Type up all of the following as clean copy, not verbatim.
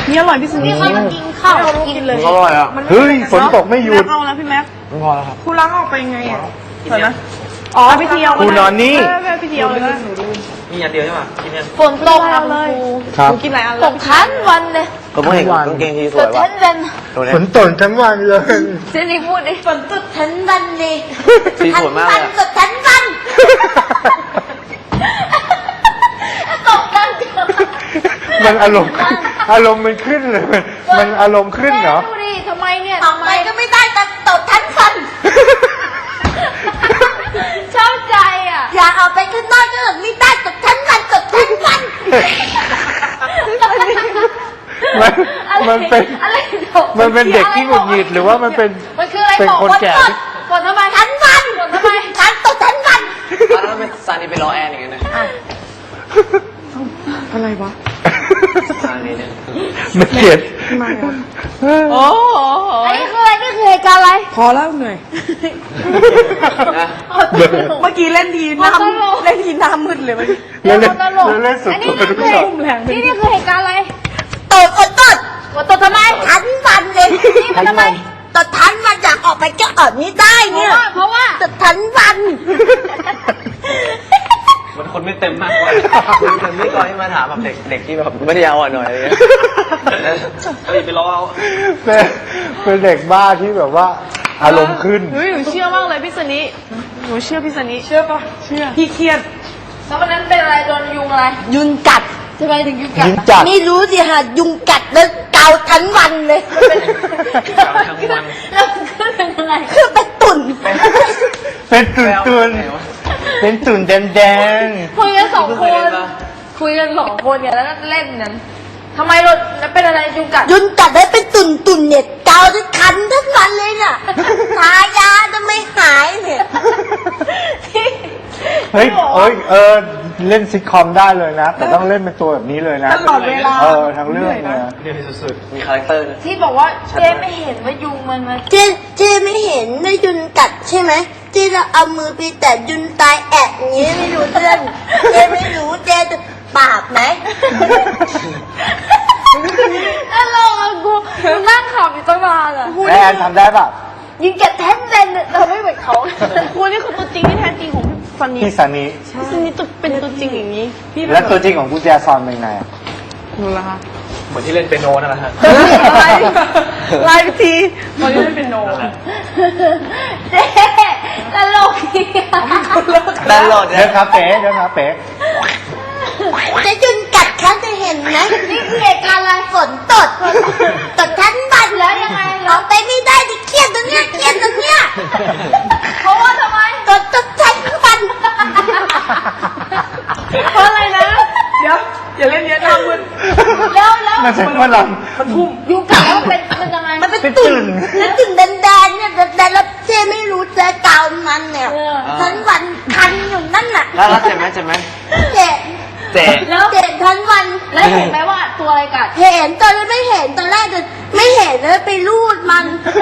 นี่อร่อยพี่สุนี่เขากินข้าวกินเลยอร่อยอ่ะเฮ้ยฝนตกไม่หยุดเอาแล้วพี่แม็กพอแล้วครับคุณล้างออกไปไงอ่ะเห็นไหมอ๋อพี่เที่ยวคุณนอนนี่พี่เที่ยวเลยมีอันเดียวใช่ป่ะกินเนี่ยฝนตกอะเลยครับกินหลายอันตกทั้งวันเลยก็ไม่เห็นกางเกงทีสตวยกว่ะทั้งวันฝนตกทั้งวันเลยเจนี่พูดดิฝนตกทั้งวันเลยสีสวยมากเลยตกทั้งวันตกทั้งวันมันอารมณ์มันขึ้นเลยมันอารมณ์ขึ้นเหรอดูดิทำไมเนี่ยทำไมก็ไม่ได้ตกทั้งวันชอบใจอ่ะอย่าเอาไปข้างนอกก็ไม่ได้ตกทั้งวันตกทั้งวันมันเป็นเด็กที่หงุดหงิดหรือว่ามันเป็นคนแก่ที่ฝนทำไมทั้งวันฝนทำไมทั้งตกทั้งวันตอนนั้นเป็นซานีไปรอแอนอย่างเงี้ยนะอะไรวะซานีเนี่ยมันเกลียดโอ้โหอันนี้คืออะไรนี่คือเหตุการณ์อะไรพอแล้วเหนื่อยนะเมื่อกี้เล่นทีหน้ามืดเลยเมื่อกี้เล่นสุดตัวทุกช็อตนี่คือเหตุการณ์อะไรตดตดทำไมทั้งวันเลยนี่มันทำไมตดทั้งวันอยากออกไปก็ออกไม่ได้เนี่ยเพราะว่าตดทั้งวันมันคนไม่เต็มมากกว่ามันไม่ก่อนที่มาถามแบบเด็กที่แบบไม่ได้ยาวอ่ะหน่อยอะไรเงี้ยไปรอเอาเป็นเด็กบ้าที่แบบว่าอารมณ์ขึ้นเฮ้ยหนูเชื่อมากเลยพี่สนิหนูเชื่อพี่สนิเชื่อปะเชื่อพี่เครียดแล้ววันนั้นเป็นอะไรโดนยุงอะไรยุงกัดใช่ไหมถึงยุงกัดยุงกัดไม่รู้สิฮะยุงกัดแล้วเกาทั้งวันเลยเกาทั้งวันแล้วคือเป็นอะไรคือเป็นตุ่นเป็นตุ่นเป็นตุ่นแดงคุยกันสองคนเนี่ยแล้วเล่นนั้นทำไมเราเป็นอะไรยุงกัดได้เป็นตุ่นเนี่ยเกาทั้งคันทั้งวันเลยเนี่ยทายาจะไม่หายเนี่ยๆเฮ้ยเล่นซิทคอมได้เลยนะแต่ต้องเล่นเป็นตัวแบบนี้เลยนะตลอดเวลาทั้งเรื่องเลยเดี๋ยวสุดๆมีคาแรคเตอร์นะที่บอกว่าเจ๊ไม่เห็นว่ายุงมันมาเจ๊ไม่เห็นว่ายุงกัดใช่ไหมเจ๊จะเอามือไปแต่ยุงตายแอะอย่างนี้ไม่รู้เรื่องเจ๊ไม่รู้เจ๊จะปากไหมแล้วลองกูนั่งขำอยู่ตั้งนานอ่ะแอนทำได้ป่ะยิงแกแท้นเลยเราไม่เหมือนเขาคุณนี่คือตัวจริงที่แท้จริงของพี่สนิพี่ซันนี่พี่สนิเป็นตัวจริงอย่างนี้พี่และตัวจริงของกุญแจซอนเป็นไงหนูละคะเหมือนที่เล่นเปียโนนั่นแหละฮะลายพิธีตอนนี้ไม่เป็นโนเจ๊ตลกดีตลอดเดินคาเฟ่จะยุงกัดเขาจะเห็นไหมนี่คือเหตุการณ์อะไรฝนตดทั้งวันแล้วยังไงออกไปไม่ได้ดิเครียดตรงเนี้ยเพราะว่าทำไมตดทั้งวันเพราะอะไรนะเดี๋ยวอย่าเล่นเยอะนะมึนแล้วมันเป็นฝรั่งมันพุ่มยุงกัดแล้วเป็นยังไงมันเป็นตุ่นแล้วตุ่นแดงๆเนี่ยแดงแล้วเจ๊ไม่รู้เจ๊เกามันเนี่ยทั้งวันคันอยู่นั่นน่ะแล้วเจ็บไหมเจ็บแล้วเจ็บทั้งวันแล้วเห็นไหมว่าตัวอะไรกัดเห็นตอนแรกไม่เห็นตอนแรกไม่เห็นแล้วไปรูดมัน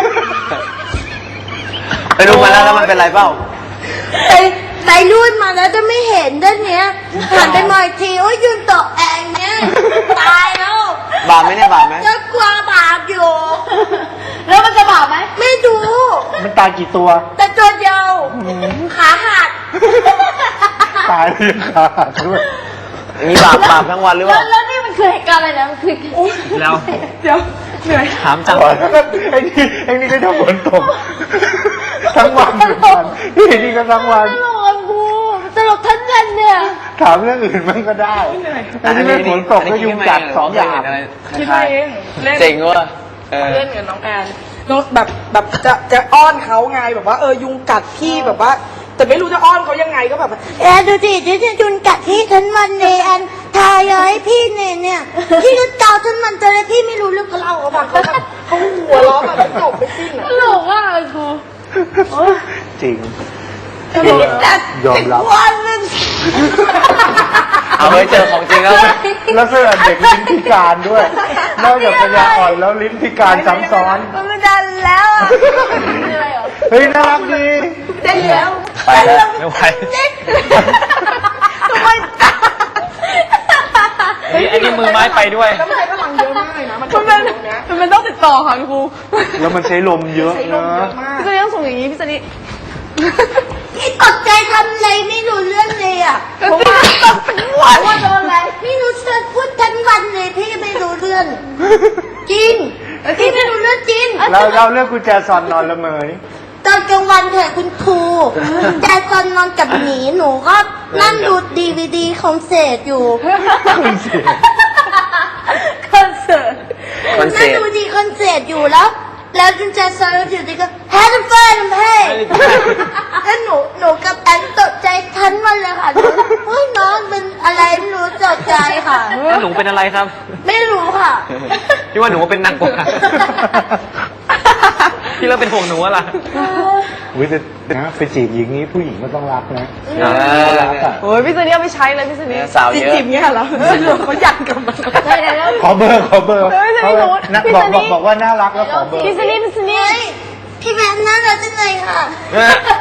ไปดูมาแล้วมันเป็นไรเปล่าไปรูดมาแล้วจะไม่เห็นด้านเนี้ยหันไปมองอีกทีโอ้ยยืนตกแองเนี้ยตายแล้วบาปไหมเนี่ยบาปไหมจะกลัวบาปอยู่แล้วมันจะบาปไหมไม่ดูมันตายกี่ตัวแต่ตัวเดียวขาหักตายเรียงขาหักด้วยมีบาปทั้งวันหรือเปล่าแล้วนี่มันคือเหตุการณ์อะไรนะมันคือแล้วเดี๋ยวเหนื่อยถามจังไอ้นี่ก็จะฝนตกทั้งวันเหมือนกันนี่ก็ทั้งวันตลกกูตลกทั้งวันเนี่ยถามเรื่องอื่นมันก็ได้อันนี้ไม่ฝนตกก็ยุงกัด2 อย่างคิดไปเองเล่นเจ๋งว่ะเล่นกับน้องแอนน้องแบบจะอ้อนเขาไงแบบว่ายุงกัดพี่แบบว่า แต่ไม่รู้จะอ้อนเขายังไงก็แบบแอนดูดิเดี๋ยวจะยุนกัดพี่ทั้งวันเลยแอนทายาให้พี่เนี่ยพี่ก็เกาทั้งวันแต่เลยพี่ไม่รู้เรื่องกับเราเขาหัวล้อแบบจบไปสิ้นอ่ะตลกอ่ะครูจริงแต่ยอมรับวันนึงเอาไปเจอของจริงแล้วแล้วเสื้อเด็กลิ้นพิการด้วยนอกจากปัญญาอ่อนแล้วลิ้นพิการซ้ำซ้อนมันไม่ได้แล้วอ่ะเฮ้ยน่ารักดีเจ๊แล้วไปแล้วไม่ไหวทำไมไอ้นี่มือไม้ไปด้วยแล้วมันใช้พลังเยอะมากเลยนะมันต่อค่ะครูแล้วมันใช้ลมเยอะใช้ลมนะเยอะมากพี่ซันนี่ต้องส่งอย่างนี้พี่ซันนี่พี่ตกใจทำอะไรไม่รู้เรื่องเลยอ่ะผมว่าตบทั้งวันว่าโดนอะไรพี่รู้เรื่องพูดทั้งวันเลยพี่ไม่รู้เรื่องจริงพี่ไม่รู้เรื่องจริงเราเลือกกุญแจซอนนอนละเมอนี่ตอนกลางวันเถอะคุณครูแต่ตอนนอนกับหมีหนูก็นั่งดูDVDคอนเสิร์ตอยู่คอนเสิร์ตคอนเสินั่งร์ตดูดีคอนเสิร์ตอยู่แล้วจุนแจซอนอยู่ดีก็แฮร์รี่เฟิร์นเฮ้แล้วหนูกับแอนตกใจทั้งวันเลยค่ะเฮ้ยน้องเป็นอะไรไม่รู้ตกใจค่ะแล้วหนูเป็นอะไรครับไม่รู้ค่ะพี่ว่าหนูเป็นนางกวักอะพี่เริ่มเป็นห่วงหนูอะล่ะอุ้ยแต่นะไปจีบหญิงนี้ผู้หญิงก็ต้องรักนะ รักอ่ะโอ้ยพี่ซันนี่เอาไปใช้เลยพี่ซันนี่สาวเยอะจิบๆเงี้ยเหรอเขาอยากกับมันได้แล้วขอเบอร์ไม่ใช่หนูนักพี่บอซักนนี่บอกว่าน่ารักแล้วขอเบอร์พี่ซันนี่พี่แม่น่ารักจังเลยค่ะไม่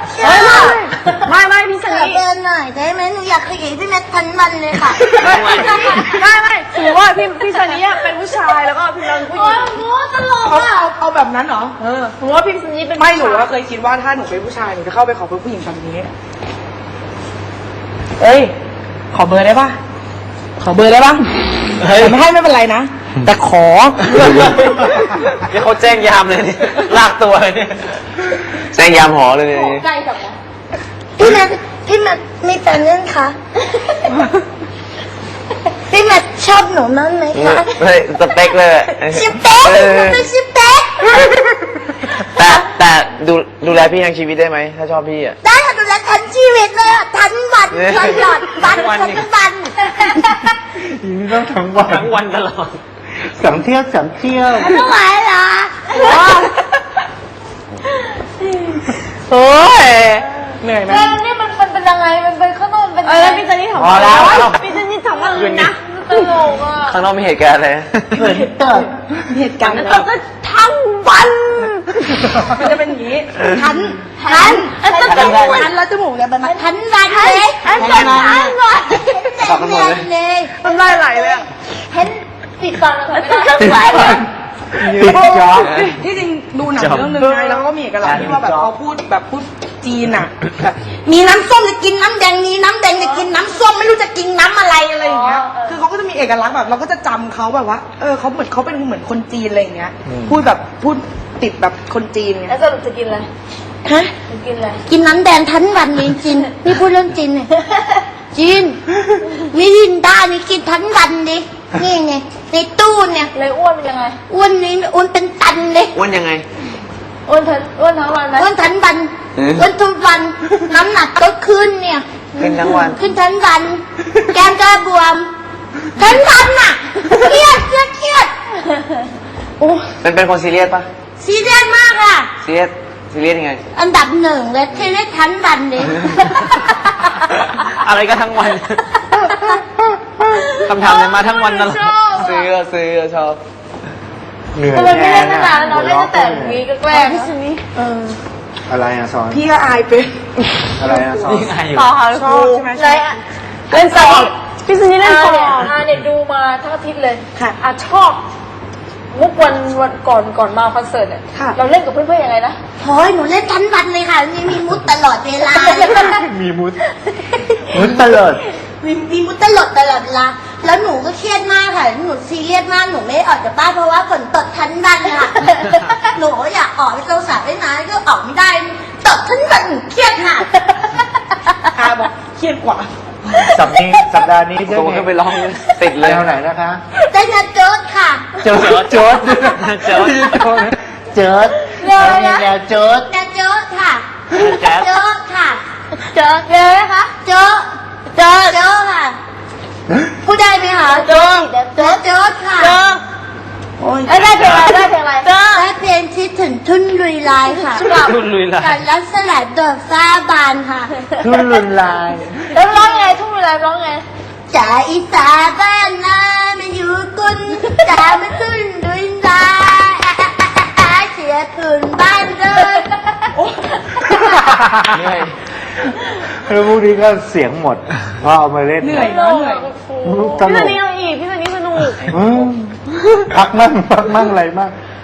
พี่ซันขอนี่เดินหน่อยได้ไหมหนูอยากขยี้พี่แม่ทั้งวันเลยค่ะไม่ถือว่าพี่ซันนี่เป็นผู้ชายแล้วก็พี่เราเป็นผู้หญิงโอ้ตลกเขาอ่ะเอาแบบนั้นเหรอผมว่าพี่ซันนี่เป็นไม่หนูว่าเคยคิดว่าถ้าหนูเป็นผู้ชายหนูจะเข้าไปขอเบอร์ผู้หญิงแบบนี้เอ้ยขอเบอร์ได้ปะขอเบอร์ได้ปะเฮ้ยแต่ไม่ให้ไม่เป็นไรนะแต่ขอนี่เขาแจ้งยามเลยเนี่ยลากตัวเลยเนี่ยแจ้งยามหอเลยเนี่ยใกล้กับพี่แม่มีแฟนยังคะพี่แม่ชอบหนูมั้งไหมคะเฮ้ยสเปคเลยชิเป๊กเออเป็นชิเป๊กแต่ดูแลพี่ทั้งชีวิตได้ไหมถ้าชอบพี่อ่ะได้ค่ะดูแลทั้งชีวิตเลยอ่ะทั้งวันตลอดวันทั้งวันทั้นี่งวันหญิงต้องทั้งวันทั้งวันตลอดสามเที่ยวไม่ไหวเหรอโอ้ยเหนื่อยไหมนี่มันเป็นยังไงมันเป็นข้างนอกเป็นพี่ซันนี่ถามพอแล้วพี่ซันนี่ถามว่าอะไรนะตลกอ่ะข้างนอกมีเหตุการณ์อะไรเหตุการณ์ตกก็ทั้งวันมันจะเป็นอย่างนี้ทันทันทันแล้วจมูกเนี่ยมันทันวันเลยทั้งวันแต่เนียนเลยมันได้ไหลเลยอ่ะเห็นปิดฟังแล้วไม่ได้ติดจ๊อบที่จริงดูหนังเรื่องนึงไงแล้วก็มีเอกลักษณ์ที่ว่าแบบเขาพูดจีนอ่ะแบบมีน้ำส้มจะกินน้ำแดงมีน้ำแดงจะกินน้ำส้มไม่รู้จะกินน้ำอะไรอะไรอย่างเงี้ยคือเขาก็จะมีเอกลักษณ์แบบเราก็จะจำเขาแบบว่าเขาเหมือนคนจีนอะไรอย่างเงี้ยพูดติดแบบคนจีนไงแล้วสรุปจะกินอะไรฮะจะกินอะไรกินน้ำแดงทั้งวันเลยจริงนี่พูดเรื่องจริงเนี่ยจริงมิรินดานี่กินทั้งวันดินี่ไงในตู้เนี่ยเลยอ้วนเป็นยังไงอ้วนนี่อ้วนเป็นตันเลยอ้วนยังไงอ้วนทั้งวันไหมอ้วนทั้งวันอืมอ้วนทุกวันน้ำหนักก็ขึ้นเนี่ยขึ้นทั้งวันขึ้นทั้งวันแก้มก็บวมทั้งวันน่ะเครียดโอ้เป็นคนซีเรียสปะซีเรียสมากอ่ะซีเรียสยังไงอันดับหนึ่งเลยซีเรียสทั้งวันเลยอะไรก็ทั้งวันคำถามเนี่ยมาทั้งวันตลอดซื้อชอบเหนื่อยทำไมไม่เล่นตั้งแนานแล้วน้องเล่นตั้งแต่วีก็แกล้งพี่ซันนี่อะไรอะซอนพี่ก็อายเป็นอะไรอะซอนยิ่งอายอยู่ต่อค่ะชอบใช่ไหมเลยเล่นสอบพี่ซันนี่เล่นสอบเนี่ยดูมาทั้งอาทิตย์เลยค่ะชอบมุกวันก่อนมาคอนเสิร์ตเนี่ยค่ะเราเล่นกับเพื่อนๆยังไงนะโอ้ยหนูเล่นทั้งวันเลยค่ะมีมุดตลอดเวลามีมุดตลอดมีมุดตลอดเวลาแล้วหนูก็เครียดมากค่ะหนูซีเรียสมากหนูไม่ออกจากบ้านเพราะว่าฝนตกทั้งวันค่ะหนูอยากออกไปเจ้าสาวได้นะก็ออกไม่ได้ตกทั้งวันหนูเครียดค่ะอาบอกเครียดกว่าสัปดาห์นี้ได้ตัวขึ้นไปร้องติดเลยแนวไหนนะคะได้งานโจ๊ดค่ะโจ๊ดโจ๊ดโจ๊ดมีแนวโจ๊ดงานโจ๊ดค่ะแจ๊ดโจ๊ดค่ะเจอเลยนะคะโจ๊ดโจ๊ดค่ะพูดได้ไหมคะโจ๊ดค่ะโอ้ยได้เพลงอะไรได้เพลงที่ถึงทุ่นลุยลายค่ะรุ่นลุยละการรักสลัดดอกฟ้าบานค่ะทุ่นลุนลายแล้วร้องไงทุ่งเวลาร้องไงจ่าอีสาบ้านนาไม่อยู่กุนจ่าไม่ทุ่นลุยลายเสียผืนบ้านเลยเหนื่อยแล้วพวกนี้ก็เสียงหมดเพราะเอามาเล่นเหนื่อยเนอะเหนื่อยตพี่ลซันกนี่เอาอีกพี่ซันนี่สนุกพักมั่งอะไรมั่ง